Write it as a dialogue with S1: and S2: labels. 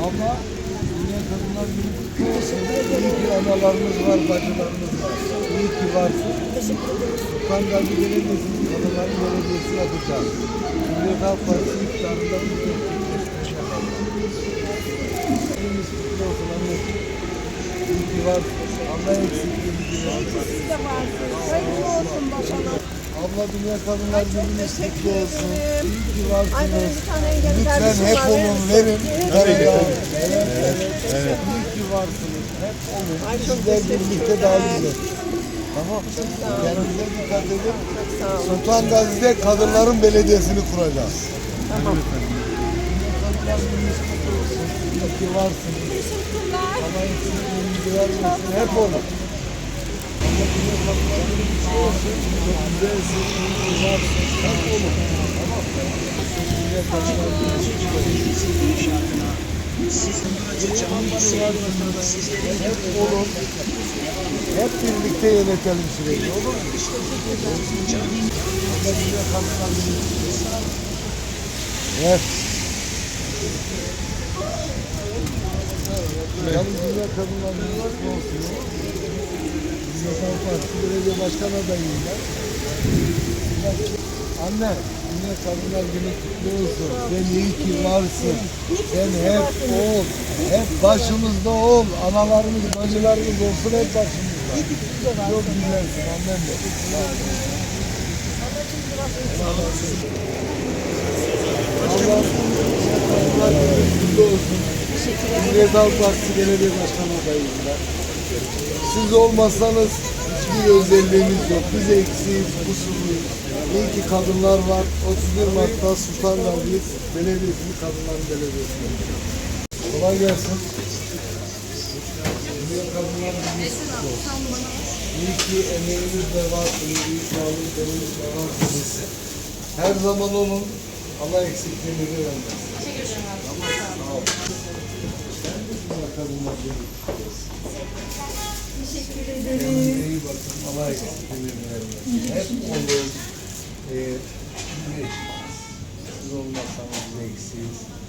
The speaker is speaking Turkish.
S1: Ama Dünya Kadınlar Günü kutlu olsun. İyi ki analarımız var, bacılarımız var. İyi ki varsın. Sultan Gazi Belediyesi'nin Kadınların Belediyesi yapacağız. Cumhuriyet Halk Partisi iktidarında bu gerçekleştireceğiz. Elimiz kutlu olsun anneciğim. İyi ki varsın. Allah eksikliğimizi versin.
S2: Siz de varsınız. Hayırlı olsun bakalım.
S1: Abla Dünya Kadınlar Günü'nüz kutlu
S2: teşekkür
S1: olsun.
S2: ederim.
S1: İyi ki
S2: Ay benim
S1: varsınız.
S2: bir tane engelli
S1: Lütfen
S2: kardeşim
S1: hep
S2: var.
S1: olun, verin.
S2: Evet.
S1: Evet. İyi ki varsınız. Hep olun.
S2: Ay, çok
S1: Sizler birlikte daha
S2: teşekkürler.
S1: güzel. Tamam. Kendinize dikkat edin.
S2: Sağ olun.
S1: Sultan Gazi'de Kadınların Belediyesi'ni kuracağız.
S2: Tamam.
S1: Kadınlar Günü'nüz kutlu olsun. İyi ki varsınız.
S2: Teşekkürler.
S1: Allah eksikliğinizi vermesin. Hep olun. Allah Dünya Kadınlar Günü kutlu olsun. Çok güzelsin. İyi ki varsın. Hep olun. Tamam. Dünya Kadınlar Günü kutlu olsun. Hep olun. Hep birlikte yönetelim süreci. Olur mu? Allah Dünya Kadınlar Günü kutlu olsun. Evet. Yalnız Dünya Kadınlar Günü kutlu olsun. Dünya Kadınlar Partisi Belediye Başkan adayıyım ben. Anne, Dünya Kadınlar Günü kutlu olsun. Sen iyi ki varsın. Sen hep ol. Hep başımızda ol. Analarımız, bacılarımız olsun hep başımızda. Çok güzelsin annem de. Allah Kadınlar Günü kutlu olsun. Cumhuriyet Halk Partisi Belediye Başkan adayıyım ben. Siz olmasanız hiçbir özelliğimiz yok. Biz eksiyiz, kusurluyuz. İyi ki kadınlar var. 31 Mart'ta Sultan Gazi Belediyesi'ni Kadınların Belediyesi'ne. Kolay gelsin. Dünya Kadınlar Günü kutlu olsun. İyi ki emeğiniz de var. İyi sağlık, emeğiniz de varsınız. Her zaman olun. Allah eksikliğinizi vermesin.
S2: Teşekkür ederim.
S1: Tamam, sağ olun. Sen de Dünya Kadınlar Günü kutlu olsun.
S2: Teşekkür
S1: Kendinize
S2: ederim.
S1: iyi bakın. Allah eksikliğinizi vermesin. Hep olun. Siz olmazsanız biz eksiyiz.